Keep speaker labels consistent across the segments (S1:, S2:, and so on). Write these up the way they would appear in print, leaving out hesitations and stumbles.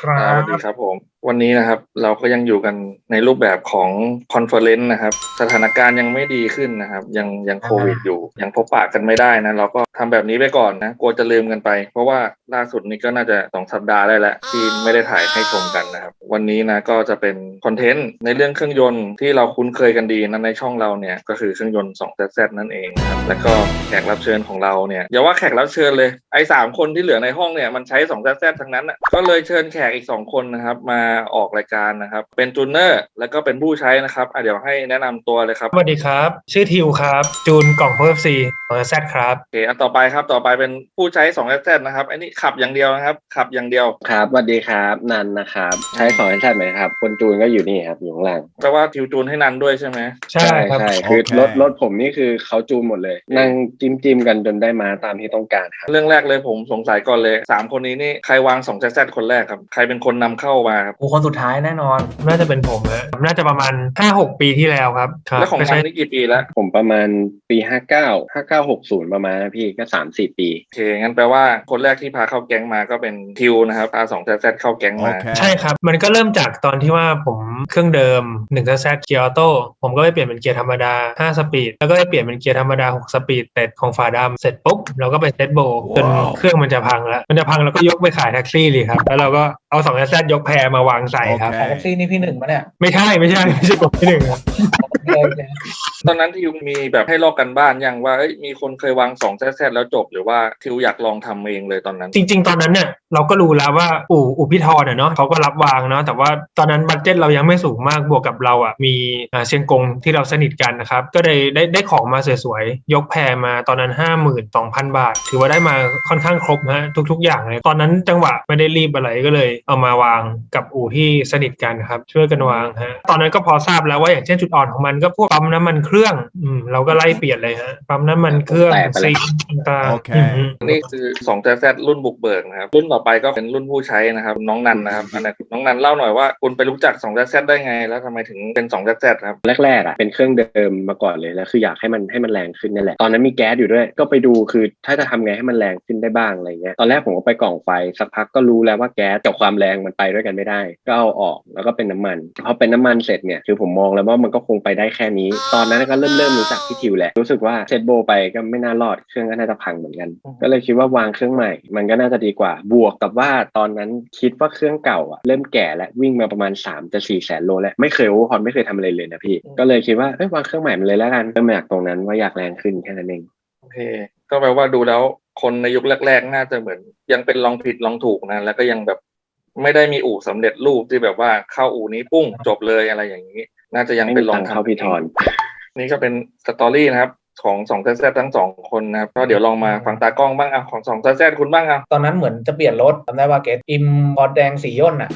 S1: สวัสดีครับผมวันนี้นะครับเราก็ยังอยู่กันในรูปแบบของคอนเฟอเรนซ์นะครับสถานการณ์ยังไม่ดีขึ้นนะครับยังโควิดอยู่ยังพบปะกันไม่ได้นะเราก็ทำแบบนี้ไปก่อนนะกลัวจะลืมกันไปเพราะว่าล่าสุดนี้ก็น่าจะ2 สัปดาห์ได้แล้วที่ไม่ได้ถ่ายให้ชมกันนะครับวันนี้นะก็จะเป็นคอนเทนต์ในเรื่องเครื่องยนต์ที่เราคุ้นเคยกันดีนะในช่องเราเนี่ยก็คือเครื่องยนต์ 2ZZ นั่นเองนะครับแล้วก็แขกรับเชิญของเราเนี่ยอย่าว่าแขกรับเชิญเลยไอ้3 คนที่เหลือในห้องเนี่ยมันใช้ 2ZZ ทั้งนั้นอ่ะก็เลยเชิญแขกอีก2 คนนะครับมาออกรายการนะครับเป็นจูนเนอร์แล้วก็เป็นผู้ใช้นะครับเดี๋ยวให้แนะนำตัวเลยครับ
S2: สวัสดีครับชื่อทิวครับจูนกล่องเพิ่มซีแซดครับ
S1: โอเคต่อไปครับต่อไปเป็นผู้ใช้ 2ZZ นะครับอันนี้ขับอย่างเดียวนะครับขับอย่างเดียว
S3: ครับสวัสดีครับนันนะครับใช้2 แซดไหมครับคนจูนก็อยู่นี่ครับอยู่ข้างล่าง
S1: แปลว่าทิวจูนให้นันด้วยใช่ไหม
S2: ใช่ครับ
S3: ใช่คือรถผมนี่คือเขาจูนหมดเลยนั่งจิ้มกันจนได้มาตามที่ต้องการครับ
S1: เรื่องแรกเลยผมสงสัยก่อนเลย3 คนนี้นี่ใครวาง 2ZZ คนแรกครับใครเป็นคนนำเข้ามาครับ
S4: คนสุดท้ายแน่นอน
S2: น่าจะเป็นผมนะน่าจะประมาณ 5-6 ปีที่แล้วครับ
S1: แล้วของนันนี่กี่ปีแล้ว
S3: ผมประมาณปี59 59 60ประมาณนะพี่ก็3-4 ปี
S1: โอเคงั้นแปลว่าคนแรกที่พาเข้าแก๊งมาก็เป็นทิวนะครับพา 2ZZ เข้าแก๊งมา
S2: ใช่ครับมันก็เริ่มจากตอนที่ว่าผมเครื่องเดิม1ZZเกียร์ออโต้ผมก็ไปเปลี่ยนเป็นเกียร์ธรรมดา5 สปีดแล้วก็ไปเปลี่ยนเป็นเกียร์ธรรมดา6 สปีดแต่ของฝาดำเสร็จปุ๊บเราก็ไปเซตโบจนเครื่องมันจะพังแล้วเราก็ยกไปขายแท็กซี่เลยครับแล้วเราก็เอา2ZZยกแพรมาวางใส่ครับ
S4: ขายแท็กซี่นี่พี่หนึ่งปะเนี่ย
S2: ไม่ใช่ผมที่หนึ่งครับ
S1: ตอนนั้นทิวมีแบบให้ลอกกันบ้านยังว่ามีคนเคยวาง 2ZZ แล้วจบหรือว่าทิวอยากลองทำเองเลยตอนนั้น
S2: จริงๆตอนนั้นเนี่ยเราก็รู้แล้วว่าอู่พี่ทอเนาะเขาก็รับวางเนาะแต่ว่าตอนนั้นบัดเจ็ตเรายังไม่สูงมากบวกกับเราอ่ะมีเชียงกงที่เราสนิทกันนะครับก็ได้ของมาสวยๆยกแพรมาตอนนั้น 52,000 บาทถือว่าได้มาค่อนข้างครบฮะทุกๆอย่างเลยตอนนั้นจังหวะไม่ได้รีบอะไรก็เลยเอามาวางกับอู่ที่สนิทกันครับช่วยกันวางฮะตอนนั้นก็พอทราบแล้วว่าอย่างเช่นจุดอ่อนของมันก็พวกปั๊มน้ำมันเครื่องเราก็ไล่เปลี่ยนเลยฮะปั๊มน้ำมันเครื่องซีต่างๆ
S1: นี่คือ 2ZZ รุ่นบุกเบิกนะครับรุ่นต่อไปก็เป็นรุ่นผู้ใช้นะครับน้องนันนะครับน้องนันเล่าหน่อยว่าคุณไปรู้จัก 2ZZ ได้ไงแล้วทำไมถึงเป็น 2ZZ ครับ
S3: แรกๆเป็นเครื่องเดิมมาก่อนเลยแล้วคืออยากให้มันแรงขึ้นนั่นแหละตอนนั้นมีแก๊สอยู่ด้วยก็ไปดูคือถ้าจะทำไงให้มันแรงขึ้นได้บ้างอะไรเงี้ยตอนแรกผมก็ไปกล่องไฟสักพักก็รู้แล้วว่าแก๊สกับความแรงมันไปด้วยกันไม่ได้ก็เอาออกแล้วก็เป็นน้ำมันพอเป็นน้ำมันเสร็จเนี่ยคือผมมองแล้วว่ามันก็คงไปได้แค่นี้ตอนนั้นก็เริ่มรู้จักพี่ทิวแหละรู้สึกว่าเซตโบไปก็ไม่น่ารอดเครื่องก็น่าจะพังเหมือนกันก็เลยคิดว่าวางเครื่องใหม่มันก็น่าจะดีกว่าบวกกับว่าตอนนั้นคิดว่าเครื่องเก่าเริ่มแก่แล้ววิ่งมาประมาณ3-4 แสนโลแล้วไม่เคยโอเวอร์ฮอลไม่เคยทำอะไรเลยนะพี่ก็เลยคิดว่าวางเครื่องใหม่มันเลยแล้วกันเริ่มจากตรงนั้นว่าอยากแรงขึ้นแค่นั้นเอง
S1: โอเคก็แปลว่าดูแล้วคนในยุคแรกๆน่าจะเหมือนยังเป็นลองผิดลองถูกนะแล้วก็ยังแบบไม่ได้มีอู่สำเร็จรูปที่แบบว่าเข้าอู่นี้ปุ้งจบเลยอะไรอย่างนี้น่าจะยังเป็นลองทำ
S3: เข้าพี่ทอน
S1: นี่ก็เป็นสตอรี่นะครับของ 2ZZ ทั้ง2 คนนะครับก็เดี๋ยวลองมาฟังตากล้องบ้างของ 2ZZ คุณบ้าง
S4: ตอนนั้นเหมือนจะเปลี่ยนรถจำได้ว่าเกตอิมพอร์ตแดงสีย่นอ่ะ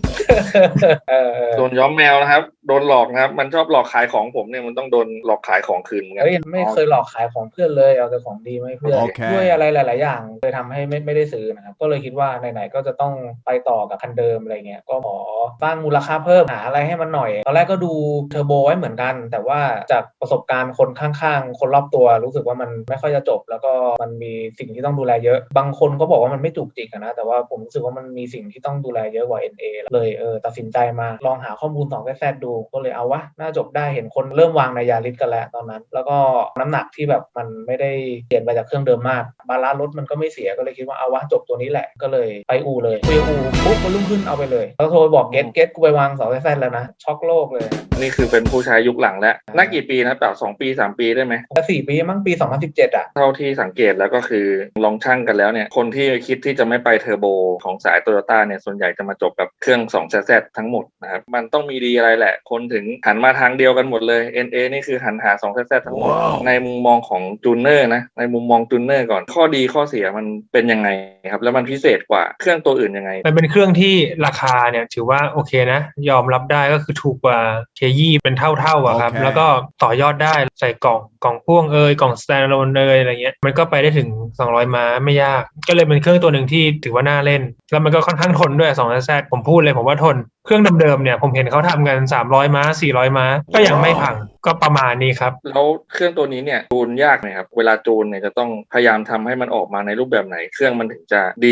S1: โดนย้อมแมวนะครับโดนหลอกนะครับมันชอบหลอกขายของผมเนี่ยมันต้องโดนหลอกขายของคืนกัน
S4: ไม่เคยหลอกขายของเพื่อนเลยเอาแต่ของดีมาให้เพื่อนด้วยอะไรหลายๆอย่างเลยทำให้ไม่ได้ซื้อนะครับก็เลยคิดว่าไหนๆก็จะต้องไปต่อกับคันเดิมอะไรเงี้ยก็ขอสร้างมูลค่าเพิ่มหาอะไรให้มันหน่อยตอนแรกก็ดูเทอร์โบไว้เหมือนกันแต่ว่าจากประสบการณ์คนข้างๆคนรอบตัวรู้สึกว่ามันไม่ค่อยจะจบแล้วก็มันมีสิ่งที่ต้องดูแลเยอะบางคนก็บอกว่ามันไม่จุกจิกนะแต่ว่าผมรู้สึกว่ามันมีสิ่งที่ต้องดูแลเยอะกว่า NA เลยตัดสินใจมาลองหาข้อมูล 2ZZ ดูก็เลยเอาวะน่าจบได้เห็นคนเริ่มวางในยาริสกันแล้วตอนนั้นแล้วก็น้ำหนักที่แบบมันไม่ได้เปลี่ยนไปจากเครื่องเดิมมากบาลานซ์รถมันก็ไม่เสียก็เลยคิดว่าเอาวะจบตัวนี้แหละก็เลยไปอู่เลยคุยอู่ปุ๊บก็รุ่งขึ้นเอาไปเลยแล้วโทรบอกเกตกูไปวาง 2ZZ แล้วนะช็อกโลกเลย
S1: นี่คือเป็นผู้ใช้ยุคหลังแล้วน่ากี่ปีนะแบบ2 ปี3 ปีได้ไหม
S4: 4 ปีมั้งปี2017
S1: เท่าที่สังเกตแล้วก็คือลองชั่งกันแล้วเนี่ยคนที่คิดที่จะไม่ไปเทอร์โบของสาย Toyota เนี่ยส่วนใหญ่จะมาจบกับเครื่อง 2ZZ ทั้งหมดนะครับมันต้องมีดีอะไรแหละคนถึงหันมาทางเดียวกันหมดเลย NA นี่คือหันหา 2ZZ ทั้งหมดในมุมมองของจูนเนอร์นะในมุมมองจูนเนอร์ก่อนข้อดีข้อเสียมันเป็นยังไงครับแล้วมันพิเศษกว่าเครื่องตัวอื่นยังไง
S2: มันเป็นเครื่องที่ราคาเนี่ยถือว่าโอเคนะยอมรับได้ก็คือถูกกว่าเคยี่เป็นเท่าอะครับแล้วก็ต่อยอดได้ใส่กล่องพ่วงกล่อง standalone อะไรเงี้ยมันก็ไปได้ถึง200 ม้าไม่ยากก็เลยเป็นเครื่องตัวหนึ่งที่ถือว่าน่าเล่นแล้วมันก็ค่อนข้างทนด้วย 2ZZ ผมพูดเลยผมว่าทนเครื่องเดิมๆเนี่ยผมเห็นเขาทำกัน300 ม้า400 ม้าก็ยังไม่พังก็ประมาณนี้ครับ
S1: แล้วเครื่องตัวนี้เนี่ยจูนยากไหมครับเวลาจูนเนี่ยจะต้องพยายามทำให้มันออกมาในรูปแบบไหนเครื่องมันถึงจะดี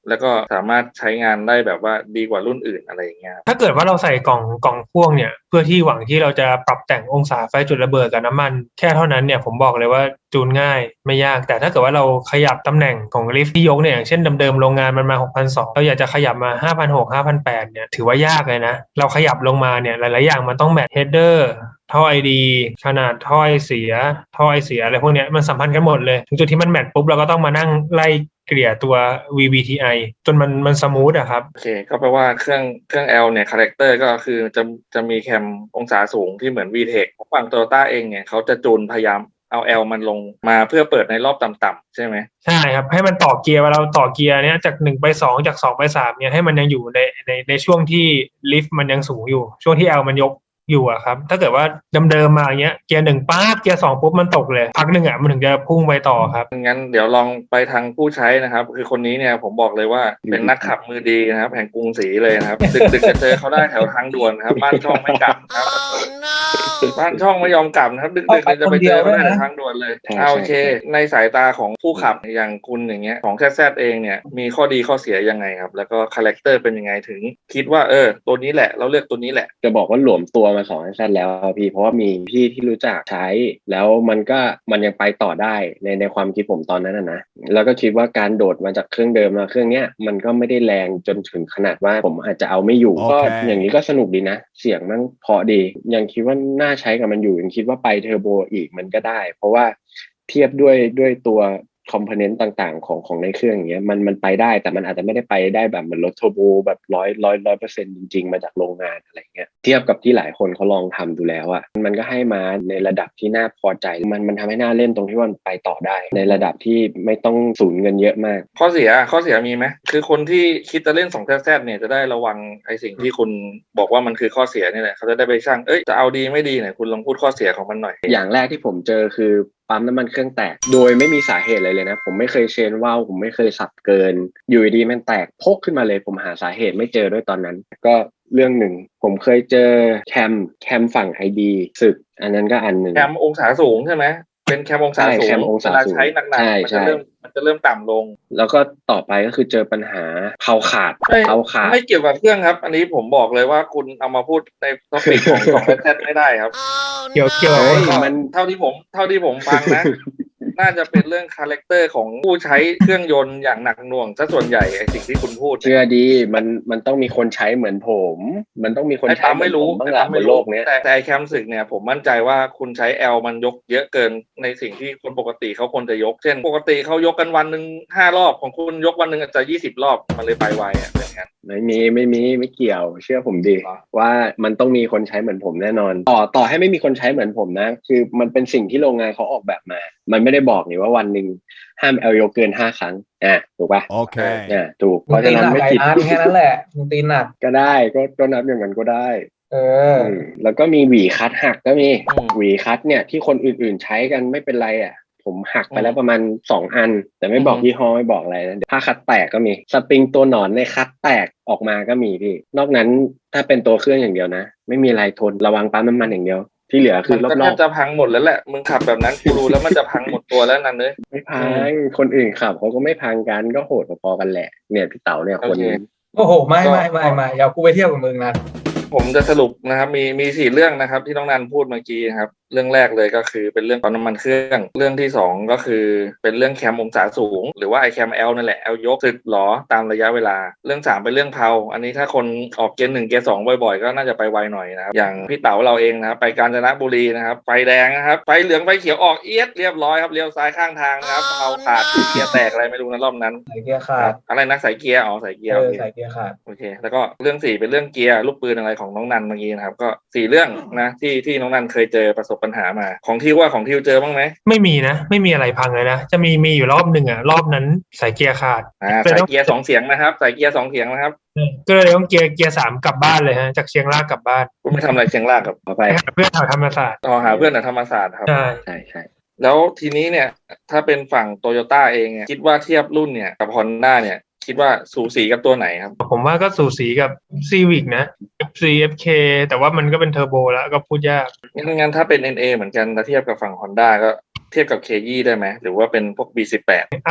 S1: แล้วก็สามารถใช้งานได้แบบว่าดีกว่ารุ่นอื่นอะไรอย่างเงี้ย
S2: ถ้าเกิดว่าเราใส่กล่องพ่วงเนี่ยเพื่อที่หวังที่เราจะปรับแต่งองศาไฟจุดระเบิดกับน้ำมันแค่เท่านั้นเนี่ยผมบอกเลยว่าจูนง่ายไม่ยากแต่ถ้าเกิดว่าเราขยับตำแหน่งของลิฟต์ที่ยกเนี่ยอย่างเช่นเดิมๆโรงงานมันมา 6,200 เราอยากจะขยับมา 5,600 5,800 เนี่ยถือว่ายากเลยนะเราขยับลงมาเนี่ยหลายๆอย่างมันต้องแมทเฮดเดอร์ท่อไอดีขนาดท่อไอเสียท่อไอเสียอะไรพวกเนี้ยมันสัมพันธ์กันหมดเลยถึงจุดที่มันแมทปุ๊บเราก็ต้องมานั่งไล่เกลี่ยตัว VVTi จนมันสมูทอะครับ
S1: โอเคก็แปลว่าเครื่อง L เนี่ยคาแรคเตอร์ก็คือจะมีแคมองศาสูงที่เหมือน VTEC ฝั่ง Toyota เองเนี่ยเขาจะจูนพยายามเอา L มันลงมาเพื่อเปิดในรอบต่ำๆใช่ไหม
S2: ใช่ครับให้มันต่อเกียร์เวลาเราต่อเกียร์เนี้ยจาก1ไป2จาก2ไป3เนี่ยให้มันยังอยู่ในช่วงที่ลิฟต์มันยังสูงอยู่ช่วงที่ L มันยกอยู่อะครับถ้าเกิดว่าเดิมมาอย่างเงี้ยเกียร์1ป๊าบเกียร์2ปุ๊บมันตกเลยพักหนึ่งอะมันถึงจะพุ่งไปต่อครับ
S1: งั้นเดี๋ยวลองไปทางผู้ใช้นะครับคือคนนี้เนี่ยผมบอกเลยว่าเป็นนักขับมือดีนะครับแห่งกรุงศรีเลยนะครับดึกจะเจอเขาได้แถวทางด่วนนะครับบ้านช่องไม่กลับครับบ้านช่องไม่ยอมกลับนะครับดึกจะไปเจอเขาได้แถวทางด่วนเลยโอเคในสายตาของผู้ขับอย่างคุณอย่างเงี้ยของแซดเองเนี่ยมีข้อดีข้อเสียยังไงครับแล้วก็คาแรคเตอร์เป็นยังไงถึงคิดว่าตัวนี้แหละเราเลือกตัวนี้แหละ
S3: จะบอกว่าหลวมตัวมา2 แซดแล้วพี่เพราะว่ามีพี่ที่รู้จักใช้แล้วมันยังไปต่อได้ในความคิดผมตอนนั้นนะแล้วก็คิดว่าการโดดมาจากเครื่องเดิมมาเครื่องเนี้ยมันก็ไม่ได้แรงจนถึงขนาดว่าผมอาจจะเอาไม่อยู่ก็อย่างนี้ก็สนุกดีนะเสียงมันเพราะดียังคิดว่าน่าใช้กับมันอยู่ยังคิดว่าไปเทอร์โบอีกมันก็ได้เพราะว่าเทียบด้วยตัวคอมโพเนนต์ต่างๆของในเครื่องอย่างเงี้ยมันไปได้แต่มันอาจจะไม่ได้ไปได้แบบเหมือนรถเทอร์โบแบบ100% จริงๆมาจากโรงงานอะไรเงี้ยเทียบกับที่หลายคนเขาลองทำดูแล้วอ่ะมันก็ให้มาในระดับที่น่าพอใจมันทำให้น่าเล่นตรงที่ว่ามันไปต่อได้ในระดับที่ไม่ต้องสูญเงินเยอะมาก
S1: ข้อเสียมีไหมคือคนที่คิดจะเล่น2 แซดเนี่ยจะได้ระวังไอ้สิ่งที่คุณบอกว่ามันคือข้อเสียนี่แหละเขาจะได้ไปชั่งจะเอาดีไม่ดีเนี่ยคุณลองพูดข้อเสียของมันหน่อย
S3: อย่างแรกที่ผมเจอคือปั๊มน้ำมันเครื่องแตกโดยไม่มีสาเหตุอะไรเลยนะผมไม่เคยเชนว่าวผมไม่เคยสับเกินอยู่ดีมันแตกพกขึ้นมาเลยผมหาสาเหตุไม่เจอด้วยตอนนั้นก็เรื่องหนึ่งผมเคยเจอแคมฝั่ง ID สึกอันนั้นก็อันหนึ่ง
S1: แคมองศาสูงใช่ไหมเป็นแคมองศาสูงเวลาใช้หนักๆมันจะเริ่มต่ำลง
S3: แล้วก็ต่อไปก็คือเจอปัญหาเผาขาด
S1: ไม่เกี่ยวกับเครื่องครับอันนี้ผมบอกเลยว่าคุณเอามาพูดในท็อปิกของแซดไม่ได้ครับ
S2: เกี่ยว
S1: มันเท่าที่ผมฟังนะน่าจะเป็นเรื่องคาแรคเตอร์ของผู้ใช้เครื่องยนต์อย่างหนักหน่วงซะส่วนใหญ่ไอ้สิ่งที่คุณพูด
S3: เชื่อดีมันต้องมีคนใช้เหมือนผมมันต้องมีคนใช้
S1: ไม่รู้
S3: บ้างละบนโลกนี้
S1: แต่แคมสึกเนี่ยผมมั่นใจว่าคุณใช้ L มันยกเยอะเกินในสิ่งที่คนปกติเขาควรจะยกเช่นปกติเขายกกันวันนึง5 รอบของคุณยกวันนึงอาจจะ20 รอบมันเลยไปไวเป็นงั้น
S3: ไม่เกี่ยวเชื่อผมดิว่ามันต้องมีคนใช้เหมือนผมแน่นอนต่อให้ไม่มีคนใช้เหมือนผมนะคือมันเป็นสิ่งที่โรงงานเขาออกแบบมามันไม่ได้บอกนี่ว่าวันนึงห้ามยกเกิน5 ครั้งถูกป่ะ
S5: โอเค
S3: ถูกเพราะฉะนั้นไม่ผิด
S4: แค่นั้นแหละมึงตีหนัก
S3: ก็ได้ก็นับอย่างนั้นก็ได้แล้วก็มีหวีคัตหักก็มีหวีคัตเนี่ยที่คนอื่นๆใช้กันไม่เป็นไรผมหักไปแล้วประมาณ2 อันแต่ไม่บอกยี่ห้อไม่บอกอะไรนะถ้าคัตแตกก็มีสปริงตัวหนอนในคัตแตกออกมาก็มีพี่นอกนั้นถ้าเป็นตัวเครื่องอย่างเดียวนะไม่มีอะไรทนระวังปั๊มน้ำมันอย่างเดียวที่เหลือคือรอบๆ
S1: มันจะพังหมดแล้วแหละมึงขับแบบนั้นกูรู้แล้วมันจะพังหมดตัวแล้วนั่นเลย
S3: ไม่พังคนอื่นขับเขาก็ไม่พังกันก็โหดพอๆกันแหละเนี่ยพี่เต๋าเนี่ยคนนี้
S4: โอ้โหไม่อย่ากูไปเที่ยวกับมึงนะ
S1: ผมจะสรุปนะครับมี4 เรื่องนะครับที่น้องนันพูดเมื่อกี้ครับเรื่องแรกเลยก็คือเป็นเรื่องปั๊มน้ำมันเครื่องเรื่องที่2ก็คือเป็นเรื่องแคมองศาสูงหรือว่าไอแคม L นั่นแหละ L ยกสึกหรอตามระยะเวลาเรื่อง3เป็นเรื่องเพาอันนี้ถ้าคนออกเกียร์1เกียร์2บ่อยๆก็น่าจะไปไวหน่อยนะครับอย่างพี่เต๋าเราเองนะครับไปกาญจนบุรีนะครับไฟแดงนะครับไฟเหลืองไฟเขียวออกเอียดเรียบร้อยครับเลี้ยวซ้ายข้างทางนะครับเพาขาดเกียร์แตกอะไรไม่รู้นะรอบนั้น
S4: สายเกียร์ขาด
S1: อะไรนะสายเกียร์สายเกียร์
S4: สายเกียร์ขาด
S1: โอเคแล้วก็เรื่อง4เป็นเรื่องเกียร์ลูกปืนอะไรของน้องนันเมื่อกี้นะครับก็4 เรื่องนะที่น้องนันเคยเจอประสบปัญหามาของของทิวเจอบ้างไหม
S2: ไม่มีนะไม่มีอะไรพังเลยนะจะมีอยู่รอบหนึ่งรอบนั้นสายเกียร์ขาด
S1: สายเกียร์2 เสียงนะครับสายเกียร์2 เสียงนะครับ
S2: ก็เลยต้องเกียร์3กลับบ้านเลยฮะจากเชียงรากกลับบ้าน
S1: คุณไม่ทำอะไรเชียงรากกับ
S2: ไปหาเพื่อนแถวธรรมศาสตร์
S1: หาเพื่อนแถวธรรมศาสตร์ครับ
S2: ใ
S3: ช่
S1: แล้วทีนี้เนี่ยถ้าเป็นฝั่งโตโยต้าเองเนี่ยคิดว่าเทียบรุ่นเนี่ยกับ Honda เนี่ยคิดว่าสูสีกับตัวไหนครับ
S2: ผมว่าก็สูสีกับ Civic นะ FC FK แต่ว่ามันก็เป็นเทอร์โบแล้วก็พูดยาก
S1: งั้นถ้าเป็น NA เหมือนกันถ้าเทียบกับฝั่ง Honda ก็เทียบกับ KE ได้ไหมหรือว่าเป็นพวก B18
S2: อ่ะ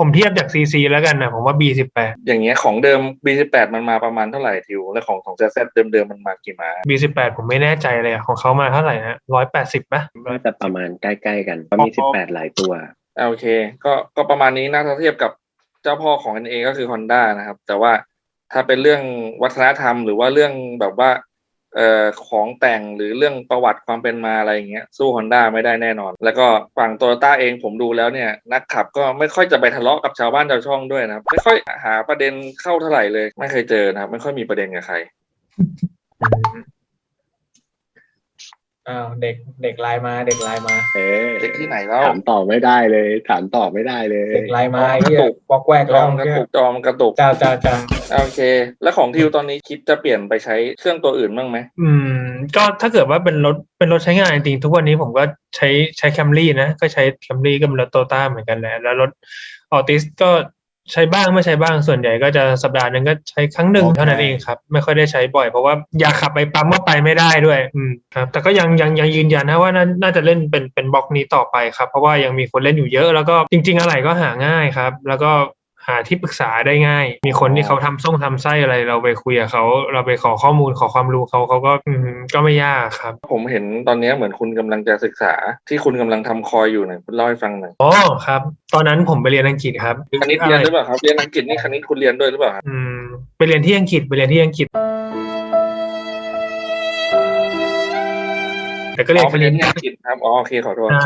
S2: ผมเทียบจาก CC แล้วกันนะผมว่า B18
S1: อย่างเงี้ยของเดิม B18 มันมาประมาณเท่าไหร่ทิวและของ ZZ เดิมๆมันมากี่ม้า
S2: B18 ผมไม่แน่ใจเลยอะของเขามาเท่าไหร่นะ180ป่ะ
S3: น่าจะประมาณใกล้ๆกันก็มี18หลายตัว
S1: โอเคก็ประมาณนี้นะถ้าเทียบกับเจ้าพ่อของ NA ก็คือ Honda นะครับแต่ว่าถ้าเป็นเรื่องวัฒนธรรมหรือว่าเรื่องแบบว่าของแต่งหรือเรื่องประวัติความเป็นมาอะไรอย่างเงี้ยสู้ Honda ไม่ได้แน่นอน แล้วก็ฝั่ง Toyota เองผมดูแล้วเนี่ยนักขับก็ไม่ค่อยจะไปทะเลาะกับชาวบ้านชาวช่องด้วยนะครับไม่ค่อยหาประเด็นเข้าเท่าไหร่เลยไม่เคยเจอนะครับไม่ค่อยมีประเด็นกับใคร
S4: เด็กไลน์มาเด็กไลน์มา
S1: เด็กที่ไหนแล้ว
S3: ถามต่อไม่ได้เลยถามต่อไม่ได้เลย
S4: เด็กไลน์มา
S1: อ๋อ
S4: ไอ้เหี้ย
S1: กระตุก
S4: บอกแวก
S1: จ
S4: แล้
S1: อ
S4: ว
S1: มกระตุกจอมกระตุก
S4: จ้า
S1: โอเค แล้วของทิวตอนนี้คิดจะเปลี่ยนไปใช้เครื่องตัวอื่นบ้างไหม
S2: ก็ถ้าเกิดว่าเป็นรถใช้งานจริงๆทุกวันนี้ผมก็ใช้แคมรี่นะก็ใช้แคมรี่ก็เป็นรถโตต้าเหมือนกันแหละแล้วรถออติสก็ใช้บ้างไม่ใช้บ้างส่วนใหญ่ก็จะสัปดาห์นึงก็ใช้ครั้งหนึ่งเท่านั้นเองครับไม่ค่อยได้ใช้บ่อยเพราะว่าอยากขับไปปั๊มก็ไปไม่ได้ด้วยครับแต่ก็ยังยืนยันนะว่าน่าจะเล่นเป็นบล็อกนี้ต่อไปครับเพราะว่ายังมีคนเล่นอยู่เยอะแล้วก็จริงๆอะไรก็หาง่ายครับแล้วก็หาที่ปรึกษาได้ง่ายมีคนที่เขาทำไส้อะไรเราไปคุยกับเขาเราไปขอข้อมูลขอความรู้เขาก็ไม่ยากครับ
S1: ผมเห็นตอนนี้เหมือนคุณกำลังจะศึกษาที่คุณกำลังทำคอยอยู่หน่อยคุณเล่าให้ฟังหน่อย
S2: อ๋อครับตอนนั้นผมไปเรียนอังกฤษครับ
S1: คณิตเรียนหรือเปล่าครับเรียนอังกฤษนี่คณิตคุณเรียนด้วยหรือเปล่าครับ
S2: ไปเรียนที่อังกฤษแต่ก็เรียน
S1: ไปเรียนที่อังกฤษครับอ๋อโอเคขอโทษ
S2: ใช่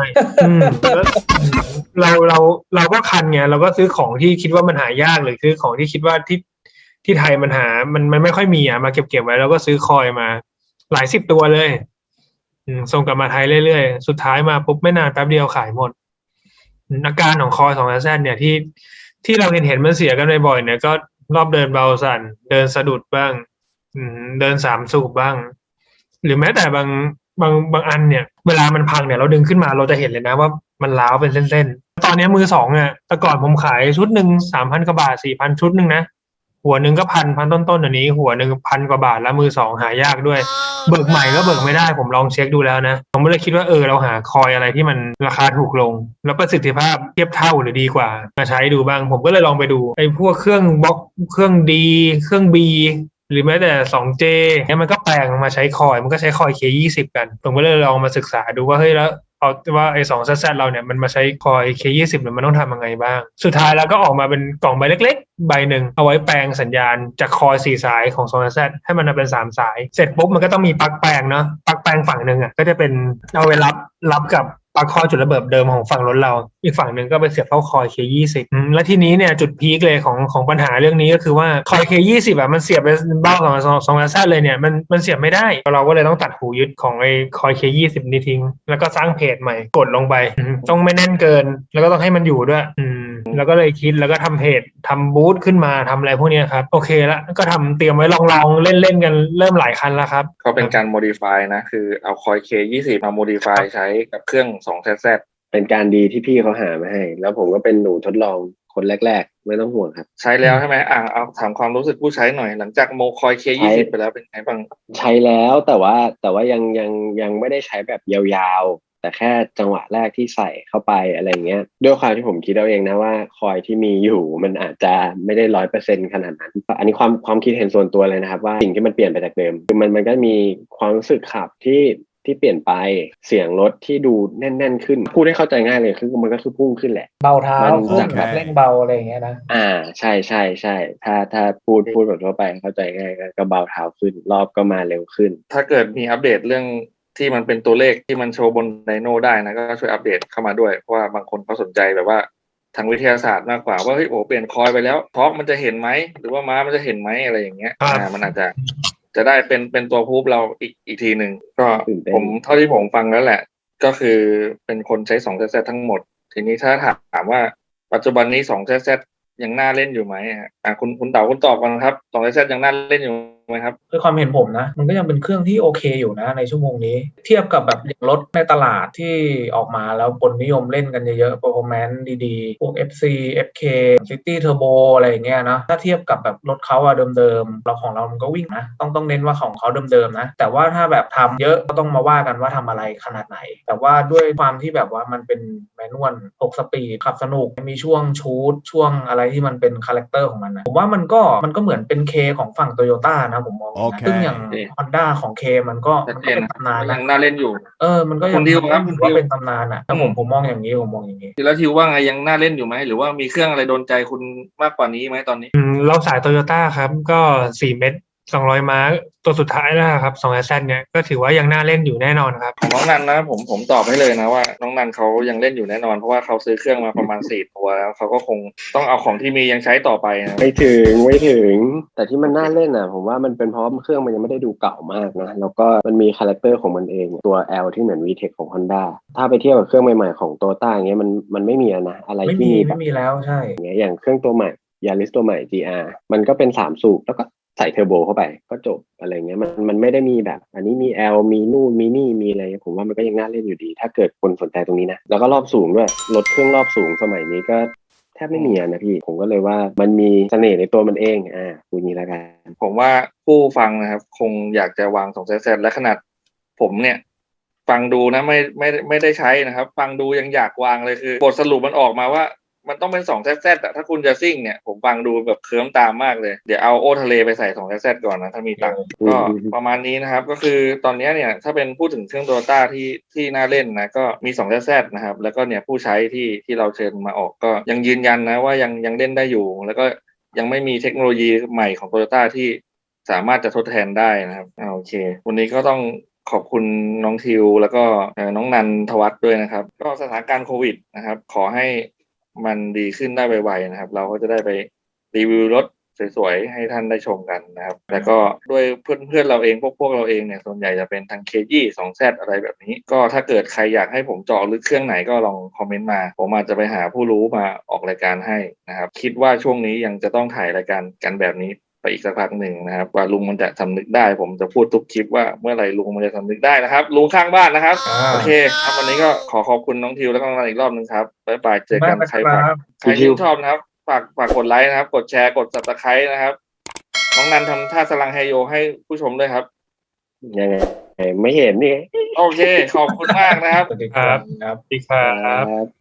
S2: แล้วเราก็คันไงเราก็ซื้อของที่คิดว่ามันหายากหรือซื้อของที่คิดว่าที่ไทยมันไม่ค่อยมีมาเก็บไว้แล้วก็ซื้อคอยมาหลายสิบตัวเลยส่งกลับมาไทยเรื่อยๆสุดท้ายมาปุ๊บไม่นานแป๊บเดียวขายหมดอาการของคอย2Zเนี่ยที่เราเห็นมันเสียกันบ่อยๆเนี่ยก็รอบเดินเบาสั่นเดินสะดุดบ้างเดิน3 สูบบ้าง หรือแม้แต่บางอันเนี่ยเวลามันพังเนี่ยเราดึงขึ้นมาเราจะเห็นเลยนะว่ามันร้าวเป็นเส้นๆตอนนี้มือสองเนี่ยแต่ก่อนผมขายชุดหนึ่ง3,000 กว่าบาท 4,000 ชุดหนึ่งนะหัวหนึ่งก็พันต้นอันนี้หัวหนึ่ง1,000 กว่าบาทแล้วมือสองหายากด้วยเบิกใหม่ก็เบิกไม่ได้ผมลองเช็คดูแล้วนะผมก็เลยคิดว่าเราหาคอยอะไรที่มันราคาถูกลงแล้วประสิทธิภาพเทียบเท่าหรือดีกว่ามาใช้ดูบ้างผมก็เลยลองไปดูไอ้พวกเครื่องบล็อกเครื่องดีเครื่อง Bหรือแม้แต่ 2J เนี่ยมันก็แปลงมาใช้คอยมันก็ใช้คอย K20 กันผมก็เลยลองมาศึกษาดูว่าเฮ้ยแล้วเอาว่าไอ้ 2Z เราเนี่ยมันมาใช้คอย K20 เนี่ยมันต้องทำยังไงบ้างสุดท้ายแล้วก็ออกมาเป็นกล่องใบเล็กๆใบหนึ่งเอาไว้แปลงสัญญาณจากคอย4 สายของ 2Z ให้มันเป็น3 สายเสร็จปุ๊บมันก็ต้องมีปลั๊กแปลงเนาะปลั๊กแปลงฝั่งหนึ่งก็จะเป็นเอาไว้รับกับปลั๊กคอยจุดระเบิดเดิมของฝั่งรถเราอีกฝั่งหนึ่งก็ไปเสียบเข้าคอย K20 และทีนี้เนี่ยจุดพีคเลยของปัญหาเรื่องนี้ก็คือว่าคอย K20 มันเสียบไปเบ้า2Z เลยเนี่ยมันเสียบไม่ได้เราก็เลยต้องตัดหูยึดของไอ้คอย K20 นี้ทิ้งแล้วก็สร้างเพจใหม่กดลงไปต้องไม่แน่นเกินแล้วก็ต้องให้มันอยู่ด้วยแล้วก็เลยคิดแล้วก็ทำเพจทำบูธขึ้นมาทำอะไรพวกนี้ครับโอเคแล้วก็ทำเตรียมไว้ลองเล่นกันเริ่มหลายคันแล้วครับ
S1: ก็เป็นการ modify นะคือเอาคอย K20 มา modify ใช้กับเครื่อง 2ZZ
S3: เป็นการดีที่พี่เขาหามาให้แล้วผมก็เป็นหนูทดลองคนแรกๆไม่ต้องห่วงครับ
S1: ใช้แล้วใช่ไหมเอาถามความรู้สึกผู้ใช้หน่อยหลังจากโมคอย K20 ไปแล้วเป็นไงบ้าง
S3: ใช้แล้วแต่ว่ายังไม่ได้ใช้แบบยาวๆแต่แค่จังหวะแรกที่ใส่เข้าไปอะไรเงี้ยด้วยความที่ผมคิดเอาเองนะว่าคอยที่มีอยู่มันอาจจะไม่ได้100%ขนาดนั้นอันนี้ความคิดเห็นส่วนตัวเลยนะครับว่าสิ่งที่มันเปลี่ยนไปจากเดิมคือมันก็มีความรู้สึกขับที่เปลี่ยนไปเสียงรถที่ดูแน่นๆขึ้นพูดให้เข้าใจง่ายเลยคือมันก็คือพุ่งขึ้นแหละ
S4: เบาเท้าขึ้นแบบเร่งเบาอะไรอย่างเงี้ยนะ
S3: ใช่ถ้าพูดแบบทั่วไปเข้าใจง่ายก็เบาเท้าขึ้นรอบก็มาเร็วขึ้น
S1: ถ้าเกิดมีอัปเดตเรื่องที่มันเป็นตัวเลขที่มันโชว์บนไดโน่ได้นะก็ช่วยอัปเดตเข้ามาด้วยเพราะว่าบางคนเขาสนใจแบบว่าทางวิทยาศาสตร์มากกว่าว่าเฮ้ยโอ้เปลี่ยนคอยไปแล้วทอร์กมันจะเห็นไหมหรือว่าม้ามันจะเห็นไหมอะไรอย่างเงี้ยมันอาจจะได้เป็นตัวพูฟเราอีกทีหนึ่งก็ผมเท่าที่ผมฟังแล้วแหละก็คือเป็นคนใช้ 2ZZ ทั้งหมดทีนี้ถ้าถามว่าปัจจุบันนี้ 2ZZ ยังน่าเล่นอยู่ไหมคุณเต๋าคุณตอบกันครับ 2ZZ ยังน่าเล่นอยู่ไหมครับ
S4: คือความเห็นผมนะมันก็ยังเป็นเครื่องที่โอเคอยู่นะในชั่วโมงนี้เทียบกับแบบอย่างรถในตลาดที่ออกมาแล้วคนนิยมเล่นกันเยอะๆ performance ดีๆพวก FC FK City Turbo อะไรอย่างเงี้ยเนาะถ้าเทียบกับแบบรถเขาอะเดิมๆเราของเรามันก็วิ่งนะต้องเน้นว่าของเขาเดิมๆนะแต่ว่าถ้าแบบทำเยอะก็ต้องมาว่ากันว่าทำอะไรขนาดไหนแต่ว่าด้วยความที่แบบว่ามันเป็นแมนนวล6 สปีดขับสนุกมีช่วงชูตช่วงอะไรที่มันเป็นคาแรคเตอร์ของมันนะผมว่ามันก็เหมือนเป็นเคของฝั่งโตโยต้านะผมมองนะซึ่งอย่าง Honda ของเคมันก็เป็น
S1: ชัดเจนนะ
S4: ตำนาน
S1: ก็ยั
S4: นะ
S1: งน่าเล่นอยู่
S4: มันก็ยั
S1: คุ
S4: ง
S1: ณทิว
S4: มัน
S1: ค
S4: ก็
S1: รับคุ
S4: ถื
S1: ณ
S4: อ
S1: ทิ
S4: ว่าว เป็นตำนานอ่ะถ้าผมมองอย่างนี้ผมมองอย่างนี้
S1: แล้วทิวว่าไงยังน่าเล่นอยู่ไหมหรือว่ามีเครื่องอะไรโดนใจคุณมากกว่านี้ไหมตอนนี้
S2: เราสายโตโยต้าครับก็4 เม็ด200 ม้าตัวสุดท้ายนะครับ2 แซดเนี่ยก็ถือว่ายังน่าเล่นอยู่แน่นอนครับ
S1: ของน้องนันนะผมตอบให้เลยนะว่าน้องนันเขายังเล่นอยู่แน่นอนเพราะว่าเขาซื้อเครื่องมาประมาณ4 ตัวแล้วเขาก็คงต้องเอาของที่มียังใช้ต่อไปนะ
S3: ไม่ถึงแต่ที่มันน่าเล่นอ่ะผมว่ามันเป็นเพราะเครื่องมันยังไม่ได้ดูเก่ามากนะแล้วก็มันมีคาแรคเตอร์ของมันเองตัว L ที่เหมือน VTEC ของ Honda ถ้าไปเทียบกับเครื่องใหม่ๆของ Toyota อย่างเงี้ยมันไม่มีนะอะไรที่มีแบ
S4: ไม่
S3: บ
S4: มีแล้วใช่
S3: อย่างเครื่องตัวใหม่ Yaris ตัวใหม่ GR มันก็เป็น3 สูบแล้วก็ใส่เทอร์โบเข้าไปก็จบอะไรเงี้ยมันไม่ได้มีแบบอันนี้มี L มีนู่นมีนี่มีอะไรผมว่ามันก็ยังน่าเล่นอยู่ดี ถ้าเกิดคนสนใจตรงนี้นะแล้วก็รอบสูงด้วยรถเครื่องรอบสูงสมัยนี้ก็แทบไม่มีนะพี่ผมก็เลยว่ามันมีเสน่ห์ในตัวมันเองพูดนี้แล้วกัน
S1: ผมว่าผู้ฟังนะครับคงอยากจะวาง2 แซดและขนาดผมเนี่ยฟังดูนะไม่ได้ใช้นะครับฟังดูยังอยากวางเลยคือบทสรุปมันออกมาว่ามันต้องเป็น2 แซดถ้าคุณจะซิ่งเนี่ยผมฟังดูแบบเคิร์มตามมากเลยเดี๋ยวเอาโอทะเลไปใส่2 แซดก่อนนะถ้ามีตังค์ก็ประมาณนี้นะครับก็คือตอนนี้เนี่ยถ้าเป็นพูดถึงเครื่องโตโยต้าที่น่าเล่นนะก็มี2 แซดนะครับแล้วก็เนี่ยผู้ใช้ที่เราเชิญมาออกก็ยังยืนยันนะว่ายังเล่นได้อยู่แล้วก็ยังไม่มีเทคโนโลยีใหม่ของโตโยต้าที่สามารถจะทดแทนได้นะครับโอเควันนี้ก็ต้องขอบคุณน้องทิวแล้วก็น้องนันทวัฒน์ด้วยนะครับก็สถานการณ์โควิดนะครับขอให้มันดีขึ้นได้ไวๆนะครับเราก็จะได้ไปรีวิวรถสวยๆให้ท่านได้ชมกันนะครับแล้วก็ด้วยเพื่อนเราเองพวกเราเองเนี่ยส่วนใหญ่จะเป็นทางเคยี่2 แซดอะไรแบบนี้ก็ถ้าเกิดใครอยากให้ผมเจาะลึกเครื่องไหนก็ลองคอมเมนต์มาผมอาจจะไปหาผู้รู้มาออกรายการให้นะครับคิดว่าช่วงนี้ยังจะต้องถ่ายรายการกันแบบนี้ไปอีกสักพักหนึ่งนะครับว่าลุงมันจะสำนึกได้ผมจะพูดทุกคลิปว่าเมื่อไหร่ลุงมันจะสำนึกได้นะครับลุงข้างบ้านนะครับโอเคครับวันนี้ก็ขอบคุณน้องทิวแล้วก็น้องนันอีกรอบนึงครับบ๊ายบายเจอกันใครชื่นชอบนะครับฝากกดไลค์นะครับกดแชร์กด Subscribe นะครับน้องนันทำท่าสลังไฮโยให้ผู้ชมด้วยครับ
S3: ยังไงไม่เห็นนี่
S1: โอเคขอบคุณมากนะครับ
S4: สวัสดีครับ
S2: สวัสดีครับ